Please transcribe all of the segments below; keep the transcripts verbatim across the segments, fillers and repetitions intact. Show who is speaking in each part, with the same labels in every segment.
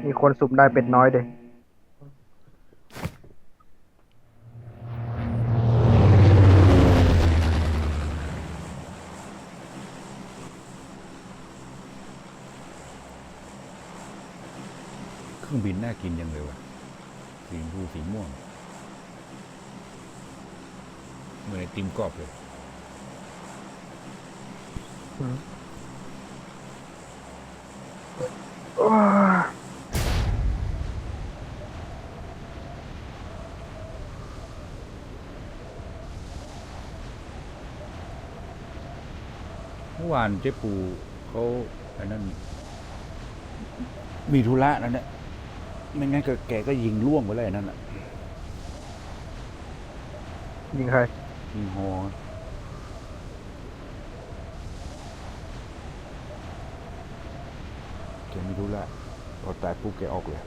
Speaker 1: มีคนสุ่มได้เป็ดน้อยเด็
Speaker 2: เครื่องบินน่ากินยังเลยวะสีชมพูสีม่วงเหมือนไอติมกรอบเลยเมื่อวานเจ๊ปูเขาไอ้นั่นมีธุระนั่นแหละไม่งั้นก็แกก็ยิงล่วงไปเลยนั่นแหละ
Speaker 1: ยิงใคร
Speaker 2: ยิงฮอแกมีธุระพอตายปุ๊บแกออกเลย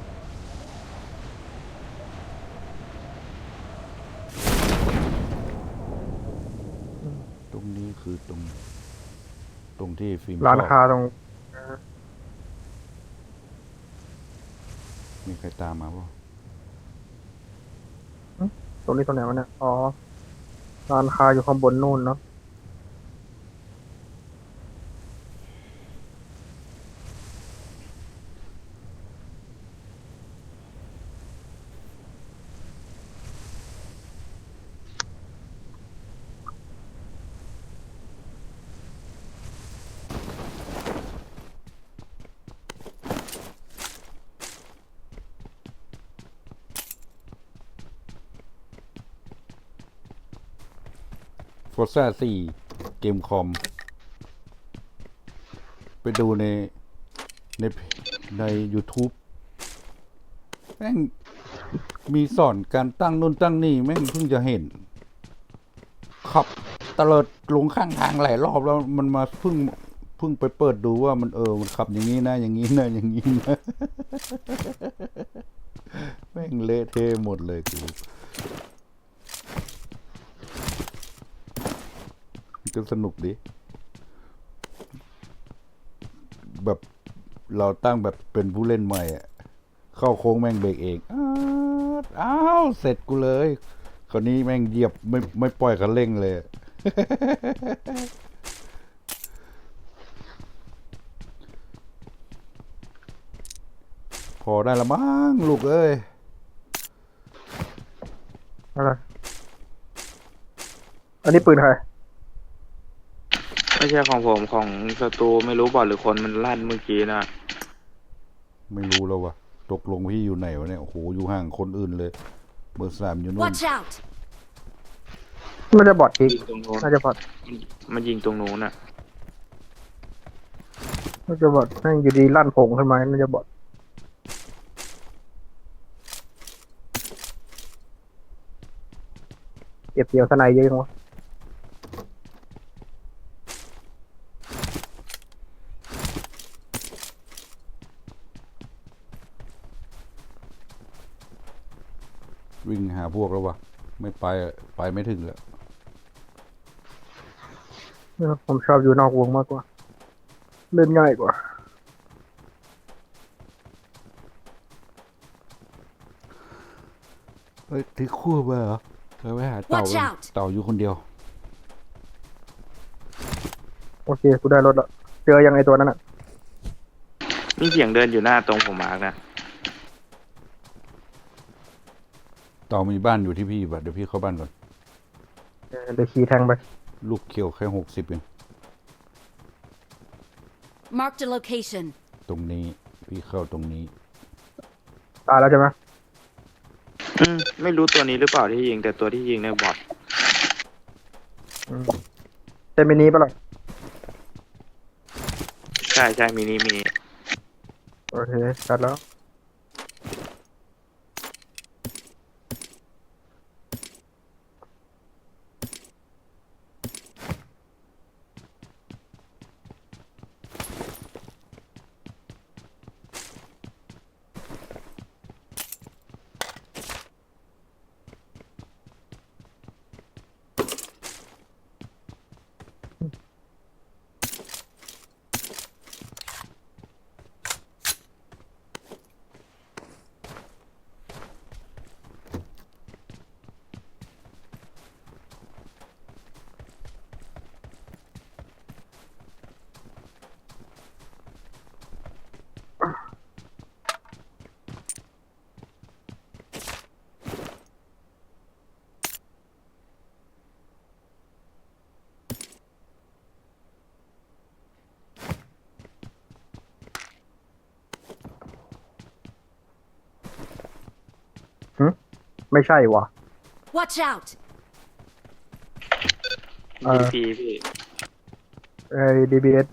Speaker 2: ตรงนี้คือตรงตรงที่ฟิล์ม
Speaker 1: ร้านค้าตรง
Speaker 2: มีใครตามมาป่ะ
Speaker 1: ตรงนี้ตรงไหนวะเนี่ยอ๋อร้านค้าอยู่ข้างบนนู่นเนาะ
Speaker 2: ฟอร์ซ่าสี่เกมคอมไปดูในในใน YouTube แม่งมีสอนการตั้งนู่นตั้งนี่แม่งเพิ่งจะเห็นขับตะเลิดลงข้างทางหลายรอบแล้วมันมาเพิ่งเพิ่งไปเปิดดูว่ามันเออมันขับอย่างนี้นะอย่างนี้นะอย่างนี้นะแม่งเละเทะหมดเลยกูก็สนุกดีแบบเราตั้งแบบเป็นผู้เล่นใหม่อะเข้าโค้งแม่งเบรกเองอ้าวเสร็จกูเลยคราวนี้แม่งเหยียบไม่ไม่ปล่อยคันเร่งเลยพอได้ละมั้งลูกเอ้ย
Speaker 1: อะไรอันนี้ปืนใคร
Speaker 3: ไม่ใช่ของผมของศัตรูไม่รู้บอดหรือคนมันลั่นเมื่อกี้นะ
Speaker 2: ไม่รู้แล้ววะตกลงพี่อยู่ไหนวะเนี่ยโอ้โหอยู่ห่างคนอื่นเลยเบอร์สามอยู่นู่น
Speaker 4: Watch out!
Speaker 1: มันจะบอดอีก
Speaker 3: ยิงตรงโน้น
Speaker 1: น่าจะบอด
Speaker 3: มันมันยิงตรงโน้นอ่ะ
Speaker 1: น่าจะบอดนั่งอยู่ดีลั่นผงขึ้นมาน่าจะบอดเก็บเกี่ยวสไนเยอะจังวะ
Speaker 2: วิ่งหาพวกแล้ววะไม่ไปไปไม่ถึงแล้ว
Speaker 1: ผมชอบอยู่นอกวงมากกว่าเล่นง่ายกว่า
Speaker 2: เฮ้ยที่คู่ไปเหรอเธอไปหาเต่าเต่าอยู่คนเดียว
Speaker 1: โอเคกูได้รถละเจอยังไงตัวนั้นอ่ะ
Speaker 3: มีเสียงเดินอยู่หน้าตรงผมมาร์กนะ
Speaker 2: เต่ามีบ้านอยู่ที่พี่ป่ะเดี๋ยวพี่เข้าบ้านก่อน
Speaker 1: เดี๋ยวขี่แทงไป
Speaker 2: ลูกเขียวแค่หกสิบเอง
Speaker 4: Mark the location.
Speaker 2: ตรงนี้พี่เข้าตรงนี้
Speaker 1: ตายแล้วใช่ไหม
Speaker 3: อืมไม่รู้ตัวนี้หรือเปล่าที่ยิงแต่ตัวที่ยิงเนี่ยบอด
Speaker 1: เต็มมินิปะล่ะ
Speaker 3: ใช่ใช่มินิมินิ
Speaker 1: โอเคชัดแล้วไม่ใช่วะ
Speaker 4: Watch out!
Speaker 1: เออ
Speaker 3: ดีพีพี่
Speaker 1: ไอ้ ดี บี เอส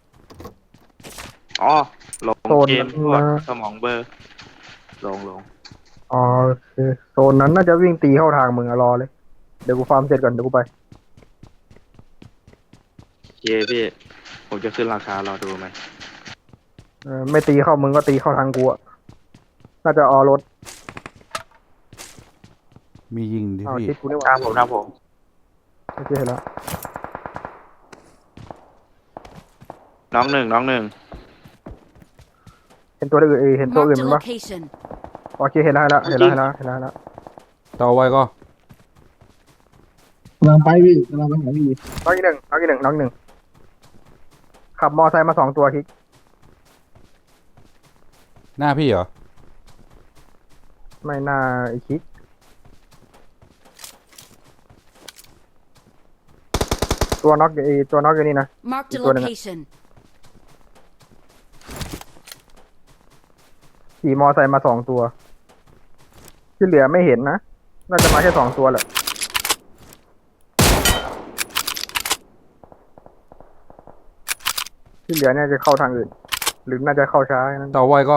Speaker 3: อ๋อลง
Speaker 1: โซน
Speaker 3: เกม
Speaker 1: นั้น
Speaker 3: พวก
Speaker 1: นะ
Speaker 3: สมองเบอร์ลงลง
Speaker 1: อ๋อโอเคโซนนั้นน่าจะวิ่งตีเข้าทางมึงอะรอเลย เดี๋ยวกูฟาร์มเสร็จก่อนเดี๋ยวกูไป
Speaker 3: เยพี่ ผมจะขึ้นราคารอดูมัน
Speaker 1: เออไม่ตีเข้ามึงก็ตีเข้าทางกูอะน่าจะออรถ
Speaker 2: มียิงดิ
Speaker 1: อ้าว
Speaker 2: พี่
Speaker 1: คิดกูนี่ห
Speaker 3: ตา
Speaker 1: ว่าม
Speaker 3: ผมตามผม
Speaker 1: โอเคเห็นแล้ว
Speaker 3: น้องหนึ่งน้องหนึ่ง
Speaker 1: เห็นตัวอื่นเอยเห็นตัวอื่น
Speaker 4: Marked
Speaker 1: มั
Speaker 4: a
Speaker 1: นปะ
Speaker 4: location.
Speaker 1: โอเคเห็นแล้วเห็นแล้วเห็นแล้วเห็นแล้วเห็นแล้วเห็นแล้ว
Speaker 2: ต่อไว้ก็
Speaker 5: กำลังไปพี่กำลังไปหาพี่
Speaker 1: น้องอีกหนึ่งน้องอีกหนึ่งน้องหนึ่งขับมอไซค์มาสองตัวคิก
Speaker 2: หน้าพี่เหรอ
Speaker 1: ไม่น่าไอคิกตัวน็อกไอตัวน็อกอยู่นี่นะ
Speaker 4: Marked a
Speaker 1: Ito na nga.
Speaker 4: location.
Speaker 1: ขี่มอไซค์มาสองตัว ที่เหลือไม่เห็นนะ น่าจะมาแค่สองตัวแหละ ที่เหลือเนี่ยจะเข้าทางอื่น หรือน่าจะเข้าช้านั้น
Speaker 2: ต่อไว้ก็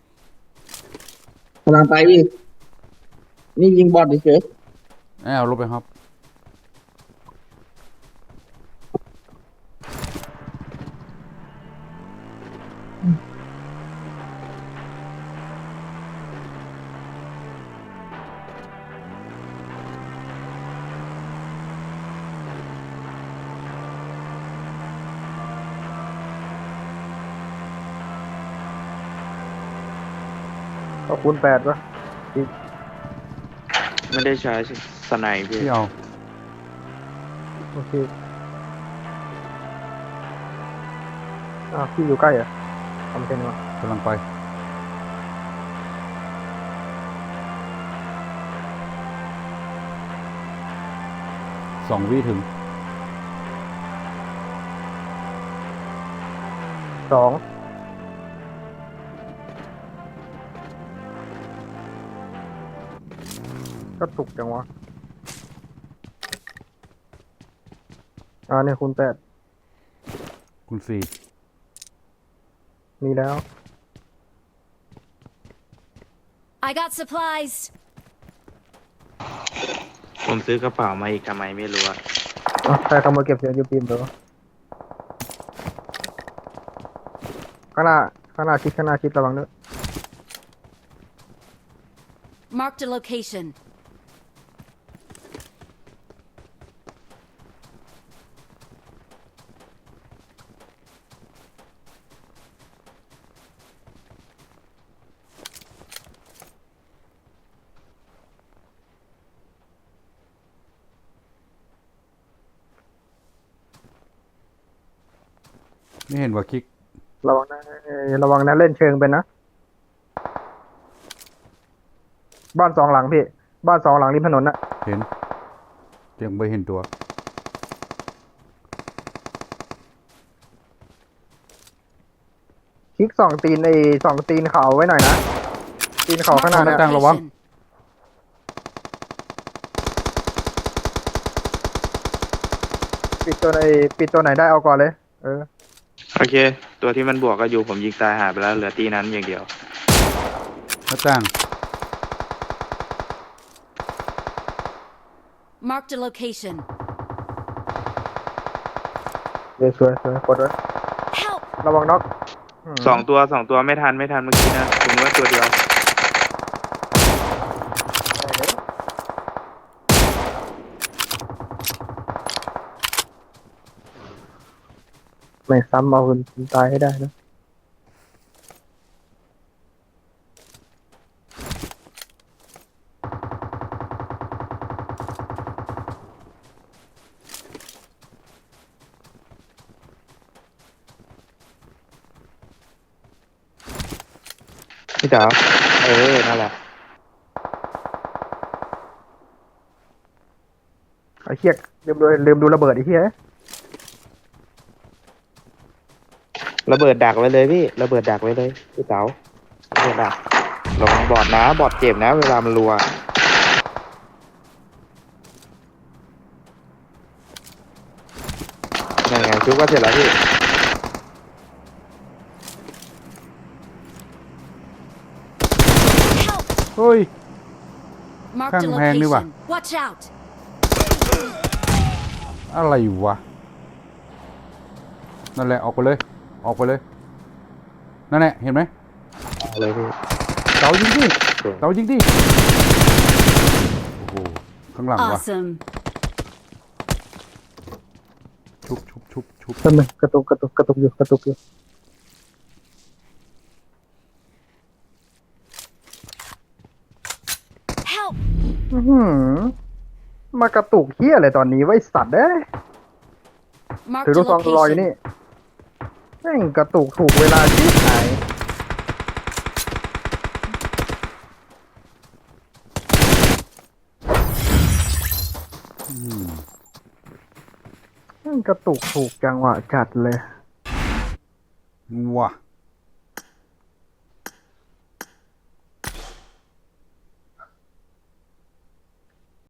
Speaker 5: กำลังไปพี่นี่ยิงบอลเฉย
Speaker 2: แอบรถไปครับ
Speaker 1: ก็คูณแปดวะ
Speaker 3: ไม่ได้ใช้สไนป์พี่
Speaker 2: พี่เอา
Speaker 1: โอเคอ้าวพี่อยู่ใกล้เหรอะทำเป็นวะ
Speaker 2: กำลังไป สองวิถึง
Speaker 1: สองก็ตุกจังวะอ่าเนี่ยคูณแปด
Speaker 2: คุณสี่
Speaker 1: มีแล้ว
Speaker 4: I got supplies.
Speaker 3: ผมซื้อกระเป๋ามาอีกทำไมไม่รู้อะ
Speaker 1: อ่ะใครขโมยเก็บเสียงยูปีมเดี๋ยวข้างหน้าข้างหน้าชิดข้างหน้าชิดระวังด้วย
Speaker 4: Marked a location.
Speaker 2: ไม่เห็นว่าคลิก
Speaker 1: ระวังนะเอ่อระวังนะเล่นเชิงเป็นนะ บ้านสองหลังพี่ บ้านสองหลังริมถนนน่ะ
Speaker 2: เห็นยังไม่เห็นตัว
Speaker 1: คลิกสองตีนไอ้สองตีนเขาไว้หน่อยนะ ตีนเขาข้างหน้า
Speaker 4: Marked a
Speaker 1: เนี่ย
Speaker 2: ตั้งระวัง
Speaker 4: location.
Speaker 1: ปิดตัวไหนปิดตัวไหนได้เอาก่อนเลย เออ
Speaker 3: โอเค ตัวที่มันบวกก็อยู่ผมยิงตายหายไปแล้วเหลือตีนั้นอย่างเดียว
Speaker 2: หน้าต่าง
Speaker 4: Marked a location.
Speaker 1: เดี๋ยวสวยสวยกดไว้
Speaker 4: Help!
Speaker 1: ระวังน็อกม
Speaker 3: สองตัวสองตัวไม่ทันไม่ทันเมื่อกี้นะผมว่าตัวเดียว
Speaker 1: ไม่ซ้ำเอาคนตายให้ได้นะ
Speaker 3: พี่จ๋าเออนั่นแหละ
Speaker 1: ไอ้เหี้ยลืมดูลืมดูระเบิดไอ้เหี้ย
Speaker 3: ระเบิดดักไว้เลยพี่ระเบิดดักไว้เลยพี่เต๋าระเบิดดักระวังบอดนะบอดเจ็บนะ เวลามันรัวชุบก็เสร็จแล้วพี่
Speaker 4: Help!
Speaker 2: เฮ้ย
Speaker 4: Marked a
Speaker 2: Khang Hang đi bà.
Speaker 4: location. Watch out!
Speaker 2: อะไรวะ นั่นแหละออกไปเลย ออกไปเลย นั่นแหละเห็นไหม
Speaker 3: เอาเลยพี่
Speaker 2: เต๋ายิงดิเต๋ายิงดิโอ้โหข้างหลังวะ
Speaker 4: Awesome.
Speaker 2: ชุบชุบชุบชุบ
Speaker 1: แป๊บนึงกระตุกกระตุกกระตุกอยู่กระตุกอยู่
Speaker 4: Help!
Speaker 1: อื้อหือมากระตุกเฮียอะไรตอนนี้ไว้สัตว์เอ้ย ถือ
Speaker 4: Marked
Speaker 1: ลู
Speaker 4: a
Speaker 1: กซองรออยู่
Speaker 4: location.
Speaker 1: นี่แม่งกระตุกถูกเวลาที่ไหน
Speaker 2: อืม
Speaker 1: แม่งกระตุกถูกจังหวะจัดเลย
Speaker 2: ว่ะ